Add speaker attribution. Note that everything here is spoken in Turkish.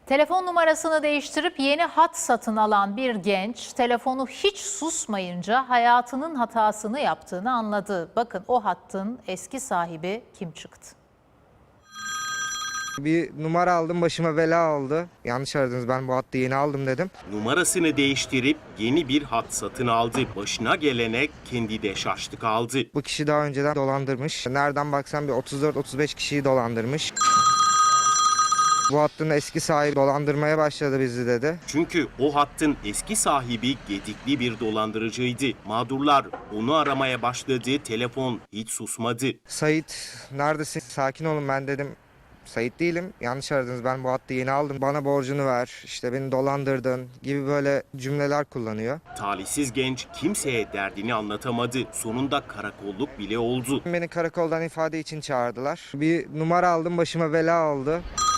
Speaker 1: Telefon numarasını değiştirip yeni hat satın alan bir genç telefonu hiç susmayınca hayatının hatasını yaptığını anladı. Bakın o hattın eski sahibi kim çıktı?
Speaker 2: Bir numara aldım, başıma bela oldu. Yanlış aradınız, ben bu hattı yeni aldım dedim.
Speaker 3: Numarasını değiştirip yeni bir hat satın aldı. Başına gelene kendi de şaştı kaldı.
Speaker 2: Bu kişi daha önceden dolandırmış. Nereden baksan bir 34-35 kişiyi dolandırmış. Bu hattın eski sahibi dolandırmaya başladı bizi dedi.
Speaker 3: Çünkü o hattın eski sahibi gedikli bir dolandırıcıydı. Mağdurlar onu aramaya başladı. Telefon hiç susmadı.
Speaker 2: Sait, neredesin? Sakin olun, ben dedim. Sait değilim. Yanlış aradınız. Ben bu hattı yeni aldım. Bana borcunu ver. İşte beni dolandırdın gibi böyle cümleler kullanıyor.
Speaker 3: Talihsiz genç kimseye derdini anlatamadı. Sonunda karakolluk bile oldu.
Speaker 2: Beni karakoldan ifade için çağırdılar. Bir numara aldım, başıma bela oldu.